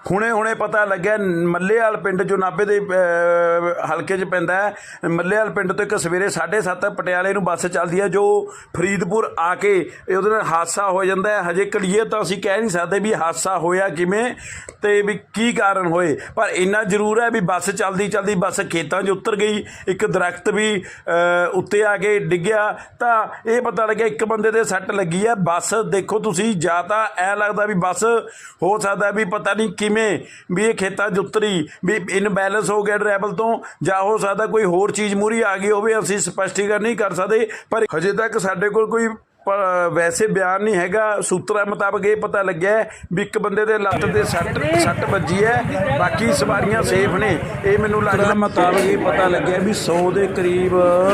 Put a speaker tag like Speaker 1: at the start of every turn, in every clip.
Speaker 1: ਹੁਣੇ ਪਤਾ ਲੱਗਿਆ ਮੱਲੇਵਾਲ ਪਿੰਡ ਜੋ ਨਾਭੇ ਦੇ ਹਲਕੇ 'ਚ ਪੈਂਦਾ ਹੈ। ਮੱਲੇਵਾਲ ਪਿੰਡ ਤੋਂ ਇੱਕ ਸਵੇਰੇ 7:30 ਪਟਿਆਲੇ ਨੂੰ ਬੱਸ ਚੱਲਦੀ ਹੈ ਜੋ ਫਰੀਦਪੁਰ ਆ ਕੇ ਉਹਦੇ ਨਾਲ ਹਾਦਸਾ ਹੋ ਜਾਂਦਾ ਹੈ। ਹਜੇ ਕਲੀਅਰ ਤਾਂ ਅਸੀਂ ਕਹਿ ਨਹੀਂ ਸਕਦੇ ਵੀ ਹਾਦਸਾ ਹੋਇਆ ਕਿਵੇਂ ਅਤੇ ਵੀ ਕੀ ਕਾਰਨ ਹੋਏ, ਪਰ ਇੰਨਾ ਜ਼ਰੂਰ ਹੈ ਵੀ ਬੱਸ ਚੱਲਦੀ ਬੱਸ ਖੇਤਾਂ 'ਚ ਉਤਰ ਗਈ। ਇੱਕ ਦਰਖਤ ਵੀ ਉੱਤੇ ਆ ਕੇ ਡਿੱਗਿਆ ਤਾਂ ਇਹ ਪਤਾ ਲੱਗਿਆ ਇੱਕ ਬੰਦੇ ਦੇ ਸੱਟ ਲੱਗੀ ਹੈ। ਬੱਸ ਦੇਖੋ ਤੁਸੀਂ, ਜਾਂ ਤਾਂ ਐਂ ਲੱਗਦਾ ਵੀ ਬੱਸ ਹੋ ਸਕਦਾ ਵੀ ਪਤਾ ਨਹੀਂ ਕਿਵੇਂ ਵੀ ਇਹ ਖੇਤਾਂ 'ਚ ਉਤਰੀ, ਵੀ ਇਨਬੈਲੈਂਸ ਹੋ ਗਿਆ ਡਰਾਈਵਰ ਤੋਂ, ਜਾਂ ਹੋ ਸਕਦਾ ਕੋਈ ਹੋਰ ਚੀਜ਼ ਮੂਹਰੇ ਆ ਗਈ ਹੋਵੇ। ਅਸੀਂ ਸਪਸ਼ਟੀਕਰਨ ਨਹੀਂ ਕਰ ਸਕਦੇ, ਪਰ ਹਜੇ ਤੱਕ ਸਾਡੇ ਕੋਲ ਕੋਈ ਵੈਸੇ ਬਿਆਨ ਨਹੀਂ ਹੈਗਾ। ਸੂਤਰਾਂ ਮੁਤਾਬਕ ਇਹ ਪਤਾ ਲੱਗਿਆ ਵੀ ਇੱਕ ਬੰਦੇ ਦੇ ਲੱਤ ਤੇ ਸੱਟ ਵੱਜੀ ਹੈ, ਬਾਕੀ ਸਵਾਰੀਆਂ ਸੇਫ ਨੇ। ਇਹ ਮੈਨੂੰ ਲੱਗਦਾ ਮੁਤਾਬਕ ਇਹ ਪਤਾ ਲੱਗਿਆ ਵੀ 100 ਦੇ ਕਰੀਬ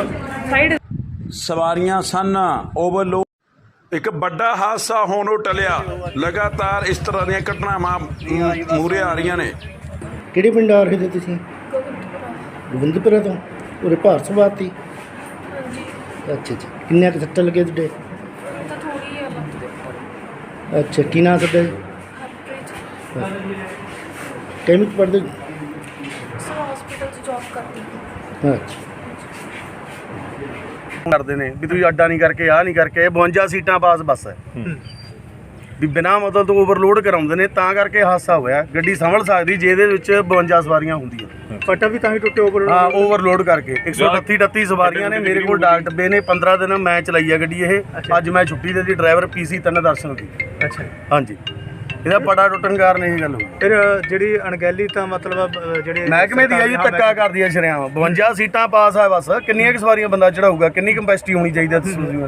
Speaker 1: ਸਵਾਰੀਆਂ ਸਨ। ਓਵਰਲੋਡ ਇੱਕ ਵੱਡਾ ਹਾਦਸਾ ਹੋਣੋਂ ਟਲਿਆ। ਲਗਾਤਾਰ ਇਸ ਤਰ੍ਹਾਂ ਦੀਆਂ ਘਟਨਾਵਾਂ ਮੂਹਰੇ ਆ ਰਹੀਆਂ ਨੇ।
Speaker 2: ਕਿਹੜੇ ਪਿੰਡ ਆ ਰਹੇ ਤੇ ਤੁਸੀਂ? ਗੋਬਿੰਦਪੁਰਾ ਤੋਂ। ਉਰੇ ਭਾਰਤ ਸਵਾਦ ਤੀ? ਅੱਛਾ ਅੱਛਾ। ਕਿੰਨੇ ਕੁ ਸੱਟਾਂ ਲੱਗੇ ਤੁਹਾਡੇ? ਅੱਛਾ, ਕੀ ਨਾਂ ਤੁਹਾਡਾ? ਕਿਵੇਂ ਪੜ੍ਹਦੇ?
Speaker 3: ਹਸਪੀਟਲ 'ਚ ਜੌਬ ਕਰਦੀ।
Speaker 2: ਅੱਛਾ।
Speaker 4: ਕਰਦੇ ਨੇ ਵੀ ਤੁਸੀਂ ਅੱਡਾ ਨਹੀਂ ਕਰਕੇ ਆਹ ਨਹੀਂ ਕਰਕੇ। 52 ਸੀਟਾਂ ਪਾਸ ਬੱਸ ਹੈ ਵੀ ਬਿਨਾਂ ਮਤਲਬ ਤੋਂ ਓਵਰਲੋਡ ਕਰਾਉਂਦੇ ਨੇ, ਤਾਂ ਕਰਕੇ ਹਾਦਸਾ ਹੋਇਆ। ਗੱਡੀ ਸੰਭਲ ਸਕਦੀ ਜੇ ਇਹਦੇ ਵਿੱਚ 52 ਸਵਾਰੀਆਂ ਹੁੰਦੀਆਂ।
Speaker 2: ਪਟਾ ਵੀ ਤਾਂ ਹੀ ਟੁੱਟੇ ਓਵਰਲੋਡ।
Speaker 4: ਹਾਂ, ਓਵਰਲੋਡ ਕਰਕੇ 138 ਸਵਾਰੀਆਂ ਨੇ। ਮੇਰੇ ਕੋਲ ਡਾਕ ਡੱਬੇ ਨੇ। 15 ਦਿਨ ਮੈਂ ਚਲਾਈ ਆ ਗੱਡੀ ਇਹ। ਅੱਜ ਮੈਂ ਛੁੱਟੀ ਦੇ ਦੀ। ਡਰਾਈਵਰ PC 3 ਦਰਸ਼ਨ ਦੀ।
Speaker 2: ਅੱਛਾ
Speaker 4: ਹਾਂਜੀ, ਇਹਦਾ ਪੜਾ ਟੁੱਟਣ ਕਾਰਨ ਇਹ ਗੱਲ ਹੋਈ।
Speaker 2: ਫਿਰ ਜਿਹੜੀ ਅਣਗਹਿਲੀ ਤਾਂ ਮਤਲਬ ਜਿਹੜੇ
Speaker 4: ਮਹਿਕਮੇ ਦੀ ਆ ਜੀ, ਧੱਕਾ ਕਰਦੀ ਆ ਸ਼ਰਿਆਮ। 52 ਸੀਟਾਂ ਪਾਸ ਆ ਬੱਸ। ਕਿੰਨੀਆਂ ਕੁ ਸਵਾਰੀਆਂ ਬੰਦਾ ਚੜਾਊਗਾ? ਕਿੰਨੀ ਕੰਪੈਸਿਟੀ ਹੋਣੀ ਚਾਹੀਦੀ ਤੁਸੀਂ?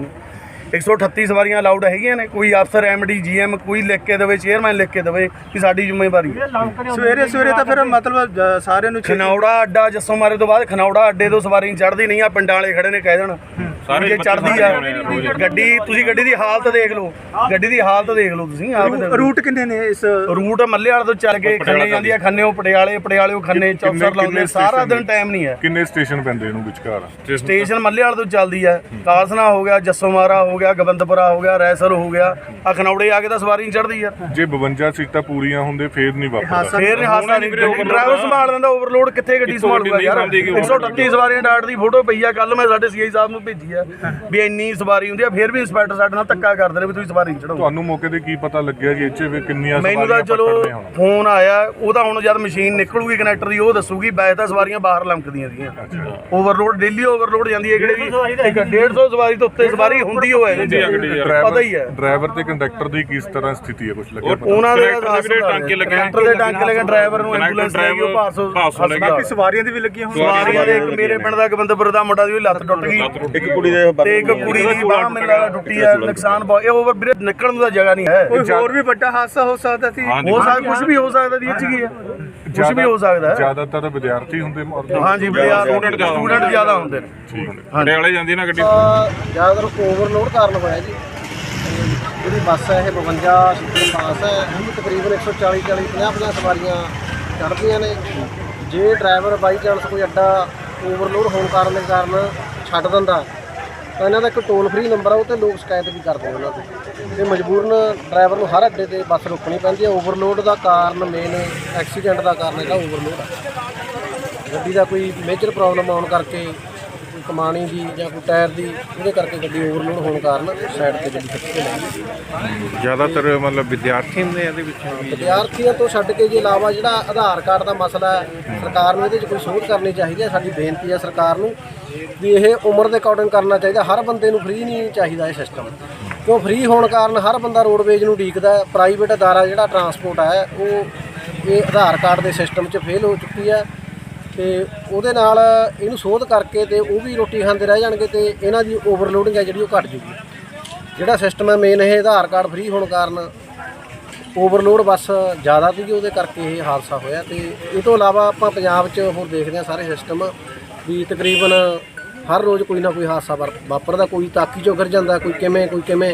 Speaker 4: 138 ਸਵਾਰੀਆਂ ਅਲਾਊਡ ਹੈਗੀਆਂ ਨੇ। ਕੋਈ ਅਫਸਰ MD GM ਕੋਈ ਲਿਖ ਕੇ ਦੇਵੇ, ਚੇਅਰਮੈਨ ਲਿਖ ਕੇ ਦੇਵੇ ਕਿ ਸਾਡੀ ਜ਼ਿੰਮੇਵਾਰੀ ਹੈ।
Speaker 2: ਸਵੇਰੇ ਤਾਂ ਫਿਰ ਮਤਲਬ ਸਾਰਿਆਂ ਨੂੰ
Speaker 4: ਖਨੌੜਾ ਅੱਡਾ ਜੱਸੋ ਮਾਰੇ ਤੋਂ ਬਾਅਦ ਖਨੌੜਾ ਅੱਡੇ ਤੋਂ ਸਵਾਰੀ ਚੜ੍ਹਦੀ ਨਹੀਂ ਆ। ਪਿੰਡਾਂ ਵਾਲੇ ਖੜੇ ਨੇ ਕਹਿ ਦੇਣ ਜੇ ਚੜ੍ਹਦੀ ਆ ਗੱਡੀ। ਤੁਸੀਂ ਗੱਡੀ ਦੀ ਹਾਲਤ ਦੇਖ ਲਓ, ਗੱਡੀ ਦੀ ਹਾਲਤ ਦੇਖ ਲਓ ਤੁਸੀਂ ਆਪ।
Speaker 2: ਰੂਟ ਕਿੰਨੇ ਨੇ ਇਸ?
Speaker 4: ਰੂਟ ਮੱਲੇਵਾਲ ਤੋਂ ਚੱਲ ਕੇ ਖੰਨੇ ਜਾਂਦੀ ਆ, ਖੰਨੇੋਂ ਪਟਿਆਲੇ ਖੰਨੇ ਚੌਕਸਰ ਲਾਉਂਦੇ। ਸਾਰਾ ਦਿਨ ਟਾਈਮ ਨਹੀਂ ਹੈ।
Speaker 5: ਕਿੰਨੇ ਸਟੇਸ਼ਨ ਪੈਂਦੇ ਇਹਨੂੰ ਵਿਚਕਾਰ?
Speaker 4: ਸਟੇਸ਼ਨ ਮੱਲੇਵਾਲ ਤੋਂ ਚੱਲਦੀ ਆ। ਕਾਲਸਨਾ ਹੋ ਗਿਆ, ਜੱਸੋ ਮਾਰਾ ਹੋ ਗਿਆ, ਗੋਬਿੰਦਪੁਰਾ ਹੋ ਗਿਆ, ਰੈਸਲ ਹੋ ਗਿਆ। ਆ ਖਨੌੜੇ ਆ ਕੇ ਤਾਂ ਸਵਾਰੀ ਨਹੀਂ ਚੜ੍ਹਦੀ ਯਾਰ।
Speaker 5: ਜੇ 52 ਸੀਟਾਂ ਪੂਰੀਆਂ ਹੁੰਦੇ ਫੇਰ ਨਹੀਂ ਵਾਪਰਦਾ।
Speaker 4: ਫੇਰ ਨਹੀਂ ਹਾਦਸਾ ਨਹੀਂ। ਡਰਾਈਵਰ ਸੰਭਾਲ ਲੈਂਦਾ। ਓਵਰਲੋਡ ਕਿੱਥੇ ਗੱਡੀ ਸੰਭਾਲੂਗਾ ਯਾਰ? 138 ਸਵਾਰੀਆਂ ਡਾਟ ਦੀ ਫੋਟੋ ਪਈ ਆ। ਕੱਲ ਮੈਂ ਸਾਡੇ CI ਸਾਹਿਬ ਨੂੰ ਭੇਜੀ ਆ ਵੀ ਇੰਨੀ ਸਵਾਰੀ ਹੁੰਦੀ ਆ, ਫੇਰ ਵੀ ਇੰਸਪੈਕਟਰ ਸਾਡੇ ਨਾਲ ਧੱਕਾ ਕਰਦੇ ਨੇ ਵੀ ਤੁਸੀਂ ਸਵਾਰੀ ਨਹੀਂ ਚੜਾਓ।
Speaker 5: ਤੁਹਾਨੂੰ ਮੌਕੇ ਤੇ ਕੀ ਪਤਾ ਲੱਗਿਆ ਜੀ ਇੱਥੇ ਵੀ ਕਿੰਨੀਆਂ ਸਵਾਰੀਆਂ?
Speaker 4: ਮੈਨੂੰ ਤਾਂ ਚਲੋ ਫੋਨ ਆਇਆ, ਉਹਦਾ ਹੁਣ ਜਦ ਮਸ਼ੀਨ ਨਿਕਲੂਗੀ ਕਨੈਕਟਰ ਦੀ ਉਹ ਦੱਸੂਗੀ। ਵੈਸੇ ਤਾਂ ਸਵਾਰੀਆਂ ਬਾਹਰ ਲੰਕਦੀਆਂ ਸੀਗੀਆਂ। ਓਵਰਲੋਡ ਡੇਲੀ ਓਵਰਲੋਡ ਜਾਂਦੀ ਹੈ। ਕਿਹੜੇ ਵੀ 150 ਸਵਾਰੀ ਤੋਂ ਉੱਤੇ ਸਵਾਰੀ ਹੁੰਦੀ ਹੋਏ ਪਤਾ ਹੀ ਹੈ।
Speaker 5: ਡਰਾਈਵਰ ਤੇ ਕੰਡਕਟਰ ਦੀ ਕਿਸ ਤਰ੍ਹਾਂ ਸਥਿਤੀ ਹੈ? ਕੁਝ ਲੱਗਿਆ
Speaker 4: ਉਹਨਾਂ ਦੇ ਟਾਂਕੇ ਲੱਗੇ, ਡਰਾਈਵਰ ਨੂੰ ਐਂਬੂਲੈਂਸ ਲੈ ਗਈ। ਉਹ ਭਾਰਸੋ
Speaker 2: ਬਾਕੀ ਸਵਾਰੀਆਂ ਦੀ ਵੀ ਲੱਗੀਆਂ ਹੋਣ।
Speaker 4: ਸਵਾਰੀਆਂ ਦੇ ਇੱਕ ਮੇਰੇ ਪਿੰਡ ਦਾ ਗੋਬਿੰਦਪੁਰ ਦਾ ਮੁੰਡਾ ਦੀ ਲੱਤ ਟੁੱਟ ਗਈ। ਇੱਕ ਕੁੜੀ ਦੇ ਤੇ ਇੱਕ ਕੁੜੀ ਦੀ ਬਾਂਹ ਮੈਨੂੰ ਲੱਗਦਾ ਟੁੱਟੀ ਹੈ। ਨੁਕਸਾਨ ਬਹੁਤ। ਇਹ ਓਵਰ ਬ੍ਰਿਜ ਨਿਕਲਣ ਨੂੰ ਤਾਂ ਜਗ੍ਹਾ ਨਹੀਂ ਹੈ।
Speaker 2: ਕੋਈ ਹੋਰ ਵੀ ਵੱਡਾ ਹਾਦਸਾ ਹੋ ਸਕਦਾ ਸੀ।
Speaker 4: ਹੋ ਸਕਦਾ, ਕੁਝ ਵੀ ਹੋ ਸਕਦਾ ਜੀ। ਇੱਥੇ ਕੀ ਹੈ, ਕੁਝ ਵੀ ਹੋ ਸਕਦਾ ਹੈ।
Speaker 5: ਜ਼ਿਆਦਾਤਰ ਵਿਦਿਆਰਥੀ ਹੁੰਦੇ?
Speaker 4: ਹਾਂਜੀ, ਸਟੂਡੈਂਟ ਜ਼ਿਆਦਾ ਹੁੰਦੇ ਨੇ।
Speaker 5: ਪਟਿਆਲੇ ਜਾਂਦੀ ਨਾ ਗੱਡੀ।
Speaker 6: ਜ਼ਿਆਦਾਤਰ ਓਵਰਲੋਡ ਕਾਰਨ ਹੋਇਆ ਜੀ। ਜਿਹੜੀ ਬੱਸ ਹੈ ਇਹ 52 ਸੀਟਾਂ ਪਾਸ ਹੈ। ਤਕਰੀਬਨ 140-50 ਸਵਾਰੀਆਂ ਚੜ੍ਹਦੀਆਂ ਨੇ। ਜੇ ਡਰਾਈਵਰ ਬਾਈ ਚਾਂਸ ਕੋਈ ਅੱਡਾ ਓਵਰਲੋਡ ਹੋਣ ਦੇ ਕਾਰਨ ਛੱਡ ਦਿੰਦਾ ਤਾਂ ਇਹਨਾਂ ਦਾ ਇੱਕ ਟੋਲ ਫ੍ਰੀ ਨੰਬਰ ਆ, ਉਹ 'ਤੇ ਲੋਕ ਸ਼ਿਕਾਇਤ ਵੀ ਕਰਦੇ ਉਹਨਾਂ ਤੋਂ। ਤੇ ਮਜਬੂਰਨ ਡਰਾਈਵਰ ਨੂੰ ਹਰ ਅੱਡੇ 'ਤੇ ਬੱਸ ਰੋਕਣੀ ਪੈਂਦੀ ਹੈ। ਓਵਰਲੋਡ ਦਾ ਕਾਰਨ ਮੇਨ ਐਕਸੀਡੈਂਟ ਦਾ ਕਾਰਨ ਇਹਦਾ ਓਵਰਲੋਡ ਆ। ਗੱਡੀ ਦਾ ਕੋਈ ਮੇਜਰ ਪ੍ਰੋਬਲਮ ਆਉਣ ਕਰਕੇ, ਕੋਈ ਕਮਾਣੀ ਦੀ ਜਾਂ ਕੋਈ ਟਾਇਰ ਦੀ, ਉਹਦੇ ਕਰਕੇ ਗੱਡੀ ਓਵਰਲੋਡ ਹੋਣ ਕਾਰਨ ਸਾਈਡ 'ਤੇ ਗੱਡੀ ਖਿੱਚ ਕੇ ਲੈ ਗਈ।
Speaker 5: ਜ਼ਿਆਦਾਤਰ ਮਤਲਬ ਵਿਦਿਆਰਥੀ ਹੁੰਦੇ ਇਹਦੇ ਵਿੱਚ?
Speaker 6: ਵਿਦਿਆਰਥੀਆਂ ਤੋਂ ਛੱਡ ਕੇ ਜੇ ਇਲਾਵਾ ਜਿਹੜਾ ਆਧਾਰ ਕਾਰਡ ਦਾ ਮਸਲਾ ਹੈ, ਸਰਕਾਰ ਨੂੰ ਇਹਦੇ 'ਚ ਕੋਈ ਸੋਧ ਕਰਨੀ ਚਾਹੀਦੀ ਹੈ। ਸਾਡੀ ਬੇਨਤੀ ਹੈ ਸਰਕਾਰ ਨੂੰ ਵੀ ਇਹ ਉਮਰ ਦੇ ਅਕੋਰਡਿੰਗ ਕਰਨਾ ਚਾਹੀਦਾ। ਹਰ ਬੰਦੇ ਨੂੰ ਫ੍ਰੀ ਨਹੀਂ ਚਾਹੀਦਾ ਇਹ ਸਿਸਟਮ, ਕਿਉਂ ਫ੍ਰੀ ਹੋਣ ਕਾਰਨ ਹਰ ਬੰਦਾ ਰੋਡਵੇਜ ਨੂੰ ਉਡੀਕਦਾ। ਪ੍ਰਾਈਵੇਟ ਅਦਾਰਾ ਜਿਹੜਾ ਟਰਾਂਸਪੋਰਟ ਹੈ ਉਹ ਇਹ ਆਧਾਰ ਕਾਰਡ ਦੇ ਸਿਸਟਮ 'ਚ ਫੇਲ ਹੋ ਚੁੱਕੀ ਹੈ। ਤੇ ਉਹਦੇ ਨਾਲ ਇਹਨੂੰ ਸੋਧ ਕਰਕੇ ਤੇ ਉਹ ਵੀ ਰੋਟੀ ਖਾਂਦੇ ਰਹਿ ਜਾਣਗੇ ਤੇ ਇਹਨਾਂ ਦੀ ਓਵਰਲੋਡਿੰਗ ਹੈ ਜਿਹੜੀ ਉਹ ਘੱਟ ਜੂਗੀ। ਜਿਹੜਾ ਸਿਸਟਮ ਹੈ ਮੇਨ ਇਹ ਆਧਾਰ ਕਾਰਡ ਫ੍ਰੀ ਹੋਣ ਕਾਰਨ ਓਵਰਲੋਡ ਬੱਸ ਜ਼ਿਆਦਾ ਸੀਗੀ, ਉਹਦੇ ਕਰਕੇ ਇਹ ਹਾਦਸਾ ਹੋਇਆ। ਤੇ ਇਹ ਤੋਂ ਇਲਾਵਾ ਆਪਾਂ ਪੰਜਾਬ 'ਚ ਹੋਰ ਦੇਖਦੇ ਹਾਂ ਸਾਰੇ ਸਿਸਟਮ ਵੀ ਤਕਰੀਬਨ ਹਰ ਰੋਜ਼ ਕੋਈ ਨਾ ਕੋਈ ਹਾਦਸਾ ਵਾਪਰਦਾ। ਕੋਈ ਤਾਕੀ 'ਚੋਂ ਗਿਰ ਜਾਂਦਾ, ਕੋਈ ਕਿਵੇਂ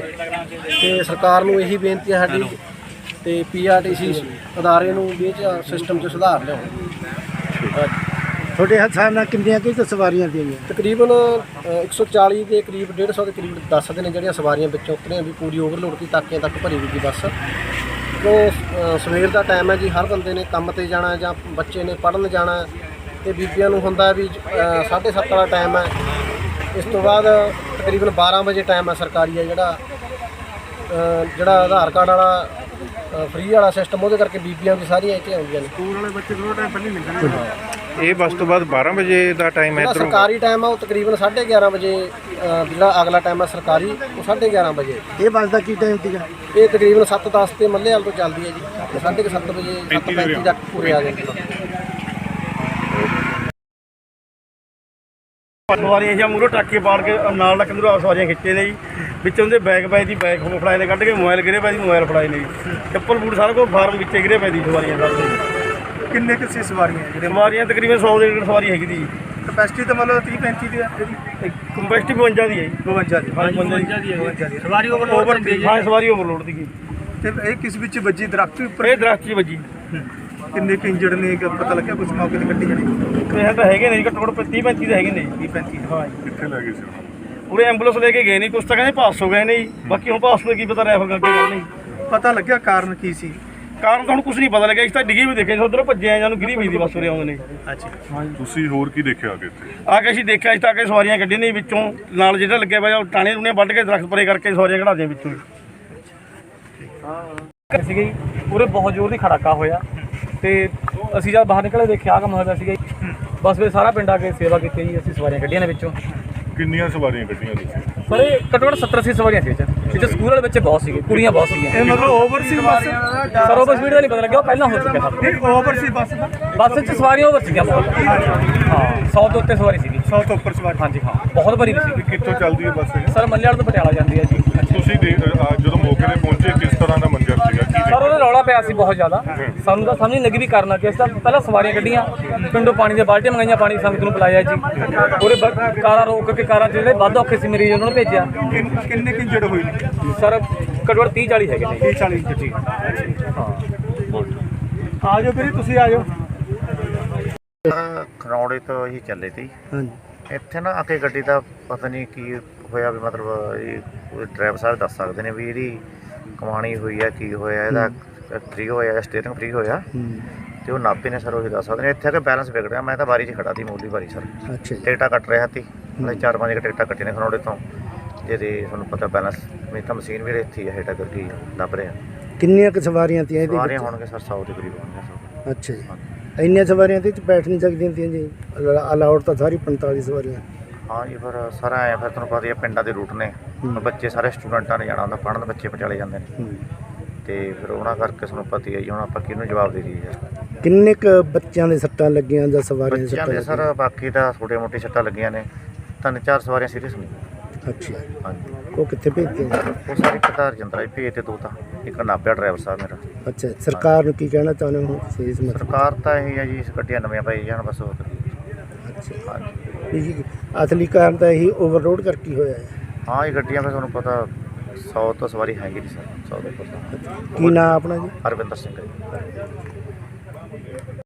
Speaker 6: ਤੇ ਸਰਕਾਰ ਨੂੰ ਇਹੀ ਬੇਨਤੀ ਹੈ ਸਾਡੀ ਤੇ PRTC ਅਦਾਰੇ ਨੂੰ ਵੀ ਇਹ ਸਿਸਟਮ 'ਚ ਸੁਧਾਰ ਲਿਆਉਣ।
Speaker 2: ਤੁਹਾਡੇ ਹਿਸਾਬ ਨਾਲ ਕਿੰਨੀਆਂ ਕਿ ਸਵਾਰੀਆਂ ਦੀਆਂ?
Speaker 6: ਤਕਰੀਬਨ 140 ਦੇ ਕਰੀਬ, 150 ਦੇ ਕਰੀਬ ਦੱਸਦੇ ਨੇ ਜਿਹੜੀਆਂ ਸਵਾਰੀਆਂ ਵਿੱਚੋਂ ਉਤਰੀਆਂ ਵੀ ਪੂਰੀ ਓਵਰਲੋਡ ਦੀ ਤਾਕਿਆਂ ਤੱਕ ਭਰੀ ਹੋਈ ਬੱਸ। ਕਿਉਂ ਸਵੇਰ ਦਾ ਟਾਈਮ ਹੈ ਜੀ, ਹਰ ਬੰਦੇ ਨੇ ਕੰਮ ਤੇ ਜਾਣਾ ਜਾਂ ਬੱਚੇ ਨੇ ਪੜ੍ਹਨ ਜਾਣਾ, ਤੇ ਬੀਬੀਆਂ ਨੂੰ ਹੁੰਦਾ ਵੀ 7:30 ਵਾਲਾ ਟਾਈਮ ਹੈ। ਇਸ ਤੋਂ ਬਾਅਦ ਤਕਰੀਬਨ 12 ਵਜੇ ਟਾਈਮ ਹੈ ਸਰਕਾਰੀ ਹੈ ਜਿਹੜਾ ਆਧਾਰ ਕਾਰਡ ਵਾਲਾ ਫ੍ਰੀ ਵਾਲਾ ਸਿਸਟਮ, ਉਹਦੇ ਕਰਕੇ ਬੀਬੀਆਂ ਵੀ ਸਾਰੀਆਂ ਇੱਥੇ ਆਉਂਦੀਆਂ ਨੇ। ਸਕੂਲ ਵਾਲੇ ਬੱਚੇ ਥੋੜਾ ਟਾਈਮ ਪਹਿਲਾਂ ਨਿਕਲਣਗੇ।
Speaker 5: ਇਹ ਬੱਸ ਤੋਂ ਬਾਅਦ 12 ਵਜੇ ਦਾ ਟਾਈਮ ਹੈ
Speaker 6: ਜਿਹੜਾ
Speaker 5: ਇੱਧਰੋਂ।
Speaker 6: ਸਰਕਾਰੀ ਟਾਈਮ ਆ ਉਹ ਤਕਰੀਬਨ 11:30 ਵਜੇ, ਜਿਹੜਾ ਅਗਲਾ ਟਾਈਮ ਹੈ ਸਰਕਾਰੀ ਉਹ 11:30 ਵਜੇ।
Speaker 2: ਇਹ ਬੱਸ ਦਾ ਕੀ ਟਾਈਮ ਸੀਗਾ?
Speaker 6: ਇਹ ਤਕਰੀਬਨ 7:10 ਤੇ ਮੱਲੇਵਾਲ ਤੋਂ ਚੱਲਦੀ ਹੈ ਜੀ, 7:30 ਵਜੇ 7:35 ਤੱਕ ਪੂਰੇ ਆ ਜਾਂਦੇ।
Speaker 4: ਸਵਾਰੀਆਂ ਜਾਂ ਮੂਹਰੋਂ ਟਰੱਕੇ ਪਾੜ ਕੇ ਨਾਲ ਲੱਕ ਨੂੰ ਸਵਾਰੀਆਂ ਖਿੱਚੇ ਨੇ ਜੀ, ਵਿੱਚੋਂ ਦੇ ਬੈਗ ਪਏ ਦੀ ਬੈਗ ਹੋ ਫੜਾਏ ਨੇ, ਕੱਢ ਕੇ ਮੋਬਾਈਲ ਗਿਰੇ ਪਏ ਦੀ ਮੋਬਾਈਲ ਫੜਾਏ ਨੇ ਜੀ, ਚੱਪਲ ਬੂਟ ਸਾਰਾ ਕੁਝ ਫਾਰਮ ਵਿੱਚੇ ਗਿਰੇ ਪਏ ਦੀ ਸਵਾਰੀਆਂ ਸਾਰੇ।
Speaker 2: ਕਿੰਨੇ ਕਿਸੇ ਸਵਾਰੀਆਂ ਜਿਹੜੇ
Speaker 4: ਸਵਾਰੀਆਂ ਤਕਰੀਬਨ 100 ਦੇ ਡੇਢ ਸਵਾਰੀ ਹੈਗੀ ਦੀ।
Speaker 2: ਕਪੈਸਿਟੀ ਤਾਂ ਮਤਲਬ 30-35 ਦੀ ਹੈ
Speaker 4: ਕੰਪੈਸਟੀ 52 ਦੀ ਹੈ ਜੀ।
Speaker 2: 52 ਦੀ।
Speaker 4: ਹਾਂਜੀ 52 ਦੀ ਹੈ ਜੀ। ਸਵਾਰੀ ਓਵਰਲੋਡ ਦੀ। ਹਾਂ ਸਵਾਰੀ ਓਵਰਲੋਡ ਦੀ।
Speaker 2: ਤੇ ਇਹ ਕਿਸ ਵਿੱਚ ਵੱਜੀ? ਦਰਖਤ ਉੱਪਰ?
Speaker 4: ਇਹ ਦਰਖਤ 'ਚ ਵੱਜੀ।
Speaker 2: ਕਿੰਨੇ ਕੁ ਇੰਜਰਡ ਨੇ, ਪਤਾ ਲੱਗਿਆ ਕੁਝ ਮੌਕੇ ਤੇ ਕੱਟੀ ਜਾਣੀ?
Speaker 4: ਇਹ ਤਾਂ ਹੈਗੇ ਨੇ ਜੀ, ਘੱਟੋ ਘੱਟ 30-35 ਦੇ ਹੈਗੇ ਨੇ ਜੀ।
Speaker 2: 30-35
Speaker 4: ਹਾਂ
Speaker 5: ਕਿੱਥੇ ਲੈ ਗਏ ਸੀ ਉਹਨਾਂ ਨੂੰ?
Speaker 4: ਉਰੇ ਐਂਬੂਲੈਂਸ ਲੈ ਕੇ ਗਏ ਨੇ, ਕੁਛ ਤਾਂ ਕਹਿੰਦੇ ਪਾਸ ਹੋ ਗਏ ਨੇ ਜੀ, ਬਾਕੀ ਹੁਣ ਪਾਸ ਤੋਂ ਕੀ ਪਤਾ ਰੈਫਰ ਅੱਗੇ ਗੱਲ ਨਹੀਂ
Speaker 2: ਪਤਾ ਲੱਗਿਆ ਕਾਰਨ ਕੀ ਸੀ?
Speaker 4: ਕਾਰਨ ਤਾਂ ਹੁਣ ਕੁਝ ਨਹੀਂ ਪਤਾ ਲੱਗਿਆ। ਇਸ ਤਾਂ ਡਿੱਗੀ ਵੀ ਦੇਖਿਆ, ਉਧਰੋਂ ਭੱਜੇ ਆ, ਜਾਨੂੰ ਗਿਰੀ ਪਈ ਦੀ ਬੱਸ ਉਰੇ ਆਉਂਦੇ ਨੇ।
Speaker 2: ਅੱਛਾ।
Speaker 5: ਤੁਸੀਂ ਹੋਰ ਕੀ ਦੇਖਿਆ ਅੱਗੇ ਇੱਥੇ?
Speaker 4: ਆ ਕੇ ਅਸੀਂ ਦੇਖਿਆ, ਇਸ ਤਾਂ ਆ ਕੇ ਸਵਾਰੀਆਂ ਕੱਢੀਆਂ ਨੇ ਵਿੱਚੋਂ, ਨਾਲ ਜਿਹੜਾ ਲੱਗਿਆ ਪਿਆ ਉਹ ਟਾਣੇ ਟੂਣੇ ਵੱਢ ਕੇ ਦਰਖਤ ਪਰੇ ਕਰਕੇ ਸਵਾਰੀਆਂ ਕਢਾ ਦਿਆਂ ਵਿੱਚੋਂ।
Speaker 7: ਸੀਗਾ ਜੀ, ਉਰੇ ਬਹੁਤ ਜ਼ੋਰ ਦੀ ਖੜਾਕਾ ਹੋਇਆ ਤੇ ਅਸੀਂ ਜਦ ਬਾਹਰ ਨਿਕਲੇ ਦੇਖਿਆ ਕੰਮ ਹੋਇਆ ਸੀਗਾ ਜੀ। ਬਸ ਫਿਰ ਸਾਰਾ ਪਿੰਡ ਆ ਕੇ ਸੇਵਾ ਕੀਤੀ ਜੀ, ਅਸੀਂ ਸਵਾਰੀਆਂ ਕੱਢੀਆਂ ਨੇ ਵਿੱਚੋਂ।
Speaker 5: ਕਿੰਨੀਆਂ ਸਵਾਰੀਆਂ ਕੱਢੀਆਂ ਤੁਸੀਂ?
Speaker 7: ਪਰ ਇਹ ਘੱਟੋ ਘੱਟ 70-80 ਸਵਾਰੀਆਂ ਸੀ ਵਿੱਚ ਸਕੂਲ ਵਾਲੇ ਬੱਚੇ ਬਹੁਤ ਸੀਗੇ, ਕੁੜੀਆਂ ਬਹੁਤ ਸੀਗੀਆਂ।
Speaker 2: ਇਹ ਮਤਲਬ ਓਵਰ ਸੀ ਬੱਸ?
Speaker 7: ਸਰ ਓਵਰ ਸਪੀਡ ਦਾ ਨਹੀਂ ਪਤਾ ਲੱਗਿਆ, ਉਹ ਪਹਿਲਾਂ ਹੋ ਚੁੱਕਿਆ ਸਭ।
Speaker 2: ਨਹੀਂ ਓਵਰ ਸੀ ਬੱਸ ਦਾ?
Speaker 7: ਬੱਸ 'ਚ ਸਵਾਰੀਆਂ ਓਵਰ ਸੀਗੀਆਂ ਬਹੁਤ। ਹਾਂ 100 ਤੋਂ ਉੱਤੇ ਸਵਾਰੀ ਸੀਗੀ।
Speaker 2: 100 ਤੋਂ ਉੱਪਰ ਸਵਾਰੀ?
Speaker 7: ਹਾਂਜੀ ਹਾਂ, ਬਹੁਤ ਭਰੀ ਸੀਗੀ।
Speaker 5: ਕਿੱਥੋਂ ਚੱਲਦੀ ਹੈ ਬੱਸ ਇਹ?
Speaker 7: ਸਰ ਮੱਲੇਵਾਲ ਤੋਂ ਪਟਿਆਲਾ ਜਾਂਦੀ ਹੈ ਜੀ।
Speaker 5: ਤੁਸੀਂ ਜਦੋਂ ਮੌਕੇ ਤੇ ਪਹੁੰਚੇ ਕਿਸ ਤਰ੍ਹਾਂ ਦਾ ਮੰਜ਼ਰ ਸੀਗਾ? ਕੀ
Speaker 7: ਸਰ ਉਹਦਾ ਰੌਲਾ ਪਿਆ ਸੀ ਬਹੁਤ ਜ਼ਿਆਦਾ, ਸਾਨੂੰ ਤਾਂ ਸਮਝ ਨਹੀਂ ਲੱਗੀ ਵੀ ਕਰਨਾ ਕੀ। ਅਸੀਂ ਤਾਂ ਪਹਿਲਾਂ ਸਵਾਰੀਆਂ ਕੱਢੀਆਂ, ਪਿੰਡੋਂ ਪਾਣੀ ਦੀਆਂ ਬਾਲਟੀਆਂ ਮੰਗਾਈਆਂ, ਪਾਣੀ ਸੰਗਤ ਨੂੰ ਪਿਲਾਇਆ ਜੀ। ਉਹਦੇ ਕਾਰਾਂ ਰੋਕ ਕੇ, ਕਾਰਾਂ ਜਿਹੜੇ ਵੱਧ ਔਖੇ ਸੀ ਮਰੀਜ਼ ਉਹਨਾਂ ਨੂੰ ਭੇਜਿਆ।
Speaker 2: ਕਿੰਨੇ ਕੁ ਇੰਜਰਡ ਹੋਏ ਨੇ?
Speaker 7: ਸਰ ਘੱਟੋ ਘੱਟ 30-40 ਹੈਗੇ ਨੇ।
Speaker 2: 30-40 ਇੰਜਰਡ? ਹਾਂ। ਆ ਜਾਓ ਵੀਰੇ, ਤੁਸੀਂ ਆ ਜਾਓ।
Speaker 8: ਖਰੌੜੇ ਤੋਂ ਹੀ ਚੱਲੇ ਸੀ।
Speaker 2: ਹਾਂਜੀ।
Speaker 8: ਇੱਥੇ ਨਾ ਆ ਕੇ ਗੱਡੀ ਦਾ ਪਤਾ ਨਹੀਂ ਕੀ ਹੋਇਆ ਵੀ, ਮਤਲਬ ਇਹ ਡਰਾਈਵਰ ਸਾਹਿਬ ਦੱਸ ਸਕਦੇ ਨੇ ਵੀ ਇਹਦੀ ਕਮਾਣੀ ਹੋਈ ਹੈ, ਕੀ ਹੋਇਆ, ਇਹਦਾ ਫ੍ਰੀ ਹੋਇਆ, ਸਟੀਅਰਿੰਗ ਫ੍ਰੀ ਹੋਇਆ, ਤੇ ਉਹ ਨਾਪੇ ਨੇ ਸਰ ਉਹੀ ਦੱਸ ਸਕਦੇ ਨੇ। ਇੱਥੇ ਆ ਕੇ ਬੈਲੈਂਸ ਵਿਗੜਿਆ। ਮੈਂ ਤਾਂ ਬਾਰੀ 'ਚ ਖੜਾ ਸੀ, ਮੂਲੀ ਬਾਰੀ ਸਰ।
Speaker 2: ਅੱਛਾ ਜੀ।
Speaker 8: ਟਿਕਟਾਂ ਕੱਟ ਰਿਹਾ ਸੀ, ਮੈਂ 4-5 ਟਿਕਟਾਂ ਕੱਟੀਆਂ ਨੇ ਖਰੌੜੇ ਤੋਂ, ਜਿਹਦੇ ਤੁਹਾਨੂੰ ਪਤਾ ਬੈਲੈਂਸ ਮੇਰੀ ਤਾਂ ਮਸ਼ੀਨ ਵੀ ਇੱਥੇ ਹੈ, ਹੇਠਾਂ ਕਰਕੇ ਦੱਬ ਰਿਹਾ।
Speaker 2: ਕਿੰਨੀਆਂ ਕੁ ਸਵਾਰੀਆਂ ਤੀਆਂ ਇਹਦੇ
Speaker 8: ਸਵਾਰੀਆਂ
Speaker 2: ਵਿੱਚ?
Speaker 8: ਹੋਣਗੇ ਸਰ 100 ਦੇ ਕਰੀਬ ਹੋਣਗੇ ਸਰ।
Speaker 2: ਅੱਛਾ ਜੀ। ਇੰਨੀਆਂ ਸਵਾਰੀਆਂ ਤੇ ਬੈਠ ਨਹੀਂ ਸਕਦੀਆਂ ਤੀਆਂ ਜੀ? ਅਲਾਉਡ ਤਾਂ ਸਾਰੀ 45 ਸਵਾਰੀਆਂ।
Speaker 8: ਹਾਂ ਜੀ, ਫਿਰ ਸਾਰਾ ਆਇਆ, ਫਿਰ ਤੁਹਾਨੂੰ ਪਤਾ ਹੀ ਹੈ ਪਿੰਡਾਂ ਦੇ ਰੂਟ ਨੇ, ਬੱਚੇ ਸਾਰੇ ਸਟੂਡੈਂਟਾਂ ਨੇ ਜਾਣਾ ਹੁੰਦਾ, ਪੜ੍ਹਨ ਬੱਚੇ ਪਟਿਆਲੇ ਜਾਂਦੇ ਨੇ, ਤੇ ਫਿਰ ਉਹਨਾਂ ਕਰਕੇ ਤੁਹਾਨੂੰ ਪਤਾ ਹੀ ਹੈ ਜੀ, ਹੁਣ ਆਪਾਂ ਕਿਹਨੂੰ ਜਵਾਬ ਦੇ ਦਈਏ ਯਾਰ।
Speaker 2: ਕਿੰਨੇ ਕੁ ਬੱਚਿਆਂ ਦੇ ਸੱਟਾਂ ਲੱਗੀਆਂ ਜਾਂ ਸਵਾਰੀਆਂ ਦੇ
Speaker 8: ਬੱਚਿਆਂ
Speaker 2: ਸੱਟਾਂ
Speaker 8: ਦੇ ਸਰ ਬਾਕੀ ਤਾਂ ਛੋਟੇ ਮੋਟੇ ਸੱਟਾਂ ਲੱਗੀਆਂ ਨੇ, 3-4 ਸਵਾਰੀਆਂ ਸੀਰੀਅਸ ਨੇ।
Speaker 2: ਅੱਛਾ।
Speaker 8: ਹਾਂਜੀ,
Speaker 2: ਉਹ ਕਿੱਥੇ ਭੇਜਦੇ ਨੇ?
Speaker 8: ਉਹ ਸਾਰੇ ਕਤਾਰ ਜੰਦਰਾ ਭੇਜ ਤੇ ਦੋ ਤਾਂ, ਇੱਕ ਨਾਭਿਆ ਡਰਾਈਵਰ ਸਾਹਿਬ ਮੇਰਾ।
Speaker 2: ਅੱਛਾ। ਸਰਕਾਰ ਨੂੰ ਕੀ ਕਹਿਣਾ ਚਾਹੁੰਦੇ ਹੋ ਤੁਸੀਂ ਇਸ ਮਤਲਬ?
Speaker 8: ਸਰਕਾਰ ਤਾਂ ਇਹ ਹੈ ਜੀ, ਗੱਡੀਆਂ ਨਵੀਆਂ ਪਾਈ ਜਾਣ ਬਸ ਹੋਰ ਕੀ।
Speaker 2: ਅੱਛਾ।
Speaker 8: ਹਾਂਜੀ,
Speaker 2: ਜੀ ਅਸਲੀ ਕਾਰਨ ਤਾਂ ਇਹੀ ਓਵਰਲੋਡ ਕਰਕੇ ਹੋਇਆ ਹੈ।
Speaker 8: ਹਾਂ ਇਹ ਗੱਡੀਆਂ ਫਿਰ ਤੁਹਾਨੂੰ ਪਤਾ 100 ਤੋਂ ਸਵਾਰੀ ਹੈਗੀ ਨਹੀਂ ਸਰ, 100 ਦੇ ਉੱਪਰ ਤਾਂ।
Speaker 2: ਕੀ ਨਾਂ ਆਪਣਾ ਜੀ?
Speaker 8: ਹਰਵਿੰਦਰ ਸਿੰਘ ਹੈ ਜੀ।